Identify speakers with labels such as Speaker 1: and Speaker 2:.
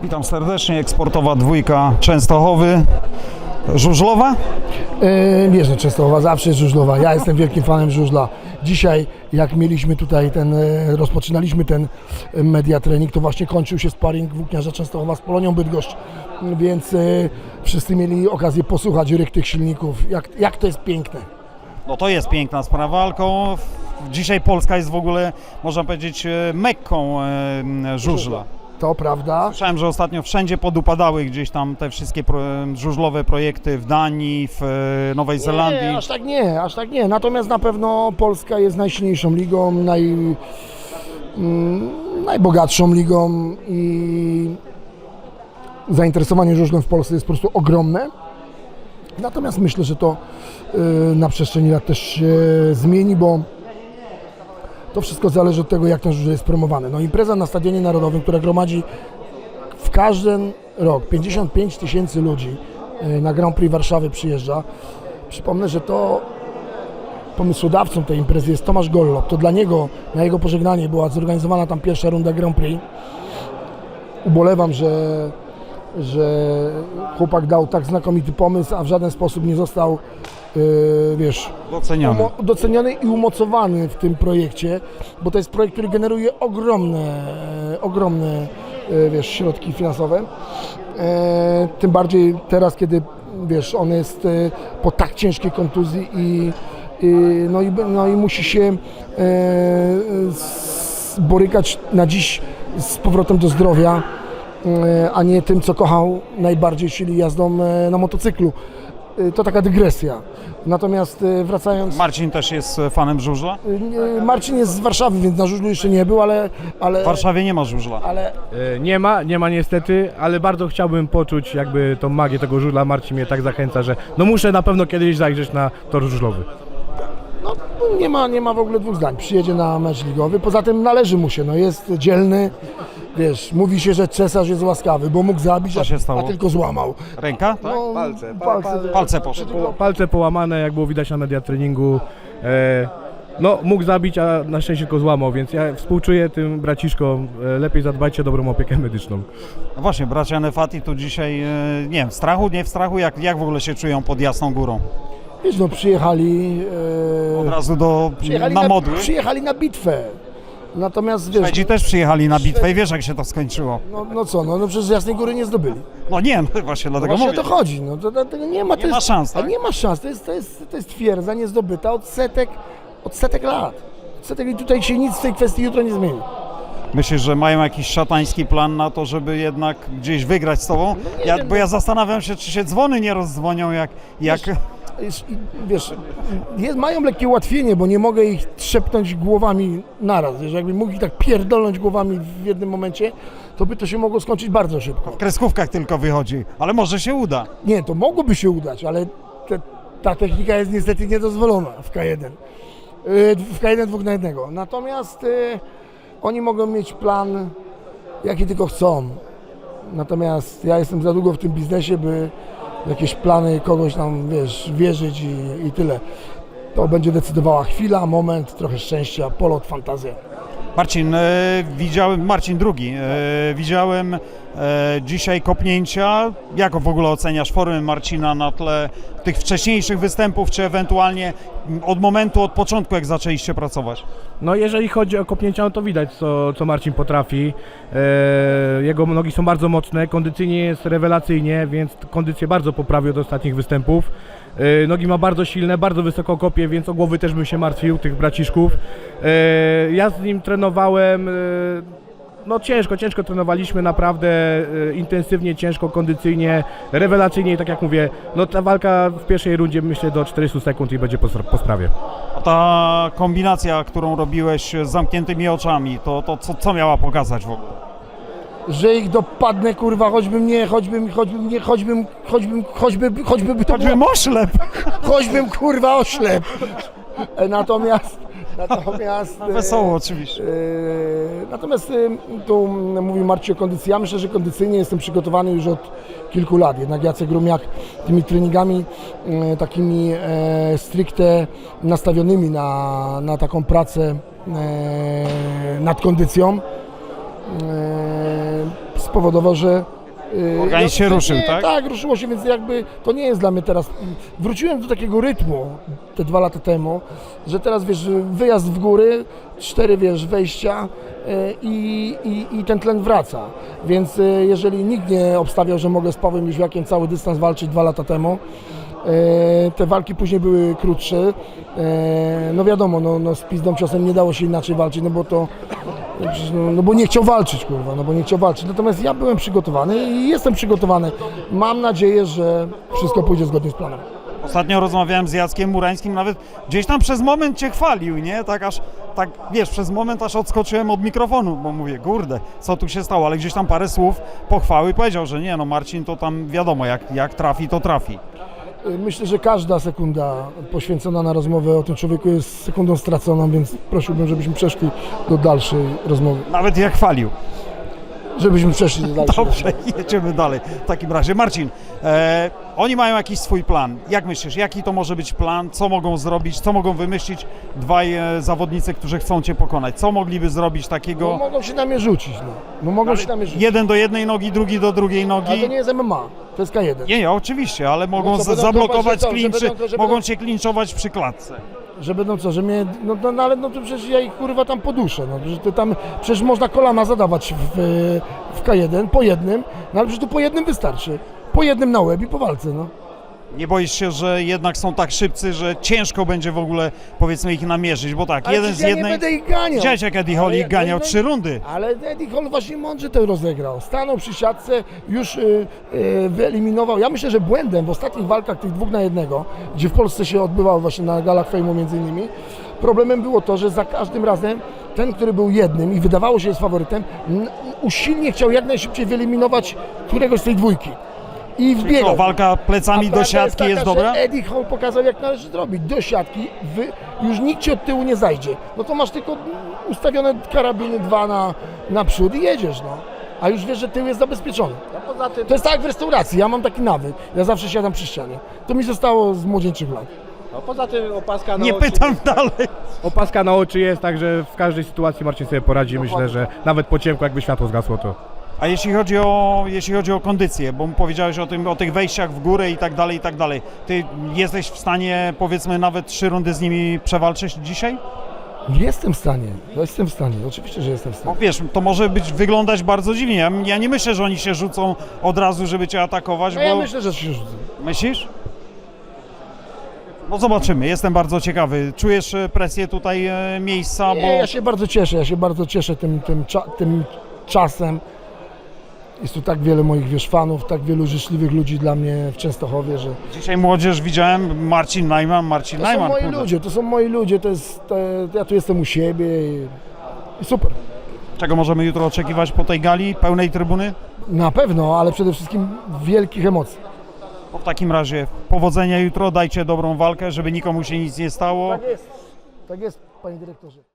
Speaker 1: Witam serdecznie, eksportowa dwójka Częstochowy. Żużlowa?
Speaker 2: Wiesz, że Częstochowa zawsze jest żużlowa. Ja jestem wielkim fanem żużla. Dzisiaj, jak mieliśmy tutaj rozpoczynaliśmy ten media trening, to właśnie kończył się sparring włókniarza Częstochowa z Polonią Bydgoszcz, więc wszyscy mieli okazję posłuchać ryk tych silników, jak to jest piękne.
Speaker 1: No to jest piękna sprawa, tylko dzisiaj Polska jest w ogóle, można powiedzieć, Mekką żużla.
Speaker 2: To prawda.
Speaker 1: Słyszałem, że ostatnio wszędzie podupadały gdzieś tam te wszystkie żużlowe projekty w Danii, w Nowej Zelandii.
Speaker 2: Nie, aż tak nie. Natomiast na pewno Polska jest najsilniejszą ligą, najbogatszą ligą i zainteresowanie żużlem w Polsce jest po prostu ogromne. Natomiast myślę, że to na przestrzeni lat też się zmieni, bo to wszystko zależy od tego, jak ten żużel jest promowany. No, impreza na Stadionie Narodowym, która gromadzi w każdy rok 55 000 ludzi, na Grand Prix Warszawy przyjeżdża. Przypomnę, że to pomysłodawcą tej imprezy jest Tomasz Gollop. To dla niego, na jego pożegnanie była zorganizowana tam pierwsza runda Grand Prix. Ubolewam, że chłopak dał tak znakomity pomysł, a w żaden sposób nie został doceniony i umocowany w tym projekcie, bo to jest projekt, który generuje ogromne środki finansowe. Tym bardziej teraz, kiedy on jest po tak ciężkiej kontuzji i musi się borykać na dziś z powrotem do zdrowia, a nie tym, co kochał najbardziej, czyli jazdą na motocyklu. To taka dygresja. Natomiast wracając...
Speaker 1: Marcin też jest fanem żużla?
Speaker 2: Marcin jest z Warszawy, więc na żużlu jeszcze nie był, ale...
Speaker 1: W Warszawie nie ma żużla.
Speaker 3: Nie ma niestety, ale bardzo chciałbym poczuć jakby tą magię tego żużla. Marcin mnie tak zachęca, że no muszę na pewno kiedyś zajrzeć na tor żużlowy.
Speaker 2: No nie ma w ogóle dwóch zdań. Przyjedzie na mecz ligowy, poza tym należy mu się, jest dzielny. Mówi się, że cesarz jest łaskawy, bo mógł zabić, a tylko złamał.
Speaker 1: Ręka? Tak? Palce poszły.
Speaker 3: Palce połamane, jak było widać na media treningu. Mógł zabić, a na szczęście tylko złamał, więc ja współczuję tym braciszkom. Lepiej zadbajcie o dobrą opiekę medyczną.
Speaker 1: No właśnie, bracia Nefati tu dzisiaj, nie wiem, w strachu, nie w strachu, jak w ogóle się czują pod Jasną Górą?
Speaker 2: Przyjechali...
Speaker 1: Od razu na modły?
Speaker 2: Przyjechali na bitwę. Natomiast
Speaker 1: Szwedzi też przyjechali na bitwę i wiesz, jak się to skończyło.
Speaker 2: No przecież Jasnej Góry nie zdobyli.
Speaker 1: No nie, właśnie dlatego mówię.
Speaker 2: Właśnie o to chodzi. Tego nie ma.
Speaker 1: Nie ma szans, tak?
Speaker 2: Nie ma szans. To jest twierdza niezdobyta od setek lat. I tutaj się nic w tej kwestii jutro nie zmieni.
Speaker 1: Myślisz, że mają jakiś szatański plan na to, żeby jednak gdzieś wygrać z tobą? Bo ja zastanawiam się, czy się dzwony nie rozdzwonią, jak...
Speaker 2: Mają lekkie ułatwienie, bo nie mogę ich trzepnąć głowami naraz. Jakbym mógł ich tak pierdolnąć głowami w jednym momencie, to by to się mogło skończyć bardzo szybko.
Speaker 1: W kreskówkach tylko wychodzi, ale może się uda.
Speaker 2: Nie, to mogłoby się udać, ale ta technika jest niestety niedozwolona w K1. W K1 2 na 1. Natomiast oni mogą mieć plan, jaki tylko chcą. Natomiast ja jestem za długo w tym biznesie, by jakieś plany kogoś tam, wierzyć i tyle. To będzie decydowała chwila, moment, trochę szczęścia, polot, fantazja.
Speaker 1: Marcin drugi, widziałem dzisiaj kopnięcia. Jak w ogóle oceniasz formę Marcina na tle tych wcześniejszych występów, czy ewentualnie od początku, jak zaczęliście pracować?
Speaker 3: No jeżeli chodzi o kopnięcia, no to widać, co Marcin potrafi. Jego nogi są bardzo mocne, kondycyjnie jest rewelacyjnie, więc kondycję bardzo poprawił od ostatnich występów. Nogi ma bardzo silne, bardzo wysoko kopie, więc o głowy też bym się martwił, tych braciszków. Ja z nim trenowałem, ciężko trenowaliśmy, naprawdę intensywnie, ciężko, kondycyjnie, rewelacyjnie i tak jak mówię, ta walka w pierwszej rundzie myślę do 400 sekund i będzie po sprawie.
Speaker 1: A ta kombinacja, którą robiłeś z zamkniętymi oczami, to co miała pokazać w ogóle?
Speaker 2: Że ich dopadnę, kurwa, choćbym
Speaker 1: oślep!
Speaker 2: Choćbym, kurwa, oślep! Natomiast
Speaker 1: wesoło oczywiście.
Speaker 2: Natomiast tu mówi Marcin o kondycji. Ja myślę, że kondycyjnie jestem przygotowany już od kilku lat. Jednak Jacek Grumiak tymi treningami takimi stricte nastawionymi na taką pracę nad kondycją spowodował, że
Speaker 1: Organizm się ruszył, tak?
Speaker 2: Tak, ruszyło się, więc jakby to nie jest dla mnie teraz. Wróciłem do takiego rytmu te 2 lata temu, że teraz wiesz, wyjazd w góry, 4 wiesz, wejścia i ten tlen wraca. Więc jeżeli nikt nie obstawiał, że mogę z Pawłem Jóźwiakiem cały dystans walczyć 2 lata temu, te walki później były krótsze. No wiadomo, no z pizdą ciosem nie dało się inaczej walczyć, no bo to no bo nie chciał walczyć, kurwa, no bo nie chciał walczyć. Natomiast ja byłem przygotowany i jestem przygotowany. Mam nadzieję, że wszystko pójdzie zgodnie z planem.
Speaker 1: Ostatnio rozmawiałem z Jackiem Murańskim, nawet gdzieś tam przez moment cię chwalił, nie? Tak aż, tak wiesz, przez moment aż odskoczyłem od mikrofonu, bo mówię, kurde, co tu się stało, ale gdzieś tam parę słów pochwały powiedział, że nie, no Marcin to tam wiadomo, jak trafi, to trafi.
Speaker 2: Myślę, że każda sekunda poświęcona na rozmowę o tym człowieku jest sekundą straconą, więc prosiłbym, żebyśmy przeszli do dalszej rozmowy.
Speaker 1: Nawet jak chwalił.
Speaker 2: Żebyśmy przeszli do dalszej
Speaker 1: Dobrze, jedziemy dalej. W takim razie, Marcin, oni mają jakiś swój plan. Jak myślisz, jaki to może być plan? Co mogą zrobić? Co mogą wymyślić dwaj zawodnicy, którzy chcą cię pokonać? Co mogliby zrobić takiego?
Speaker 2: No, mogą się na mnie rzucić, no mogą się na mnie rzucić.
Speaker 1: Jeden do jednej nogi, drugi do drugiej nogi.
Speaker 2: Ale to nie jest MMA, to jest K1.
Speaker 1: Nie, oczywiście, ale mogą
Speaker 2: No co, będą
Speaker 1: zablokować
Speaker 2: to, że
Speaker 1: klinczy,
Speaker 2: będą to, że
Speaker 1: mogą
Speaker 2: będą-
Speaker 1: cię klinczować przy klatce.
Speaker 2: Że będą co, że mnie, no ale no to przecież ja ich kurwa tam poduszę, no że to tam, przecież można kolana zadawać w K1 po jednym, no ale przecież tu po jednym wystarczy, po jednym na łeb i po walce, no.
Speaker 1: Nie boisz się, że jednak są tak szybcy, że ciężko będzie w ogóle, powiedzmy, ich namierzyć, bo tak,
Speaker 2: Ale
Speaker 1: jeden z
Speaker 2: przecież ja
Speaker 1: jednej...
Speaker 2: nie będę ich ganiał.
Speaker 1: Widziałeś, jak Eddie Hall ich ganiał 3 rundy.
Speaker 2: Ale Eddie Hall właśnie mądrze to rozegrał. Stanął przy siatce, już wyeliminował. Ja myślę, że błędem w ostatnich walkach tych 2 na 1, gdzie w Polsce się odbywało właśnie na galach fejmu między innymi, problemem było to, że za każdym razem ten, który był jednym i wydawało się jest faworytem, usilnie chciał jak najszybciej wyeliminować któregoś z tej dwójki. I wbiegał.
Speaker 1: Co, walka plecami
Speaker 2: A
Speaker 1: do
Speaker 2: prawda
Speaker 1: siatki
Speaker 2: taka,
Speaker 1: jest
Speaker 2: że
Speaker 1: dobra?
Speaker 2: Eddie Hall pokazał, jak należy zrobić. Do siatki, już nikt ci od tyłu nie zajdzie. No to masz tylko ustawione karabiny 2 na przód i jedziesz, no. A już wiesz, że tył jest zabezpieczony.
Speaker 4: No poza tym,
Speaker 2: To jest tak jak w restauracji, ja mam taki nawyk. Ja zawsze siadam przy ścianie. To mi zostało z młodzieńczych lat.
Speaker 4: opaska na
Speaker 1: Nie
Speaker 4: oczy.
Speaker 1: pytam dalej.
Speaker 3: Opaska na oczy jest, także w każdej sytuacji Marcin sobie poradzi. Myślę, że nawet po ciemku, jakby światło zgasło, to
Speaker 1: A jeśli chodzi o kondycję, bo powiedziałeś o tych wejściach w górę i tak dalej, ty jesteś w stanie, powiedzmy, nawet 3 rundy z nimi przewalczyć dzisiaj?
Speaker 2: Jestem w stanie, oczywiście, że jestem w
Speaker 1: Bo
Speaker 2: stanie.
Speaker 1: wiesz, to może wyglądać bardzo dziwnie. Ja nie myślę, że oni się rzucą od razu, żeby cię atakować,
Speaker 2: No
Speaker 1: bo...
Speaker 2: ja myślę, że się rzucę.
Speaker 1: Myślisz? No zobaczymy, jestem bardzo ciekawy. Czujesz presję tutaj miejsca, bo...
Speaker 2: Nie, ja się bardzo cieszę tym czasem. Jest tu tak wiele moich fanów, tak wielu życzliwych ludzi dla mnie w Częstochowie, że
Speaker 1: Dzisiaj młodzież widziałem, Marcin Najman,
Speaker 2: to są moi ludzie, ja tu jestem u siebie i super.
Speaker 1: Czego możemy jutro oczekiwać po tej gali, pełnej trybuny?
Speaker 2: Na pewno, ale przede wszystkim wielkich emocji.
Speaker 1: W takim razie powodzenia jutro, dajcie dobrą walkę, żeby nikomu się nic nie stało.
Speaker 2: Tak jest, panie dyrektorze.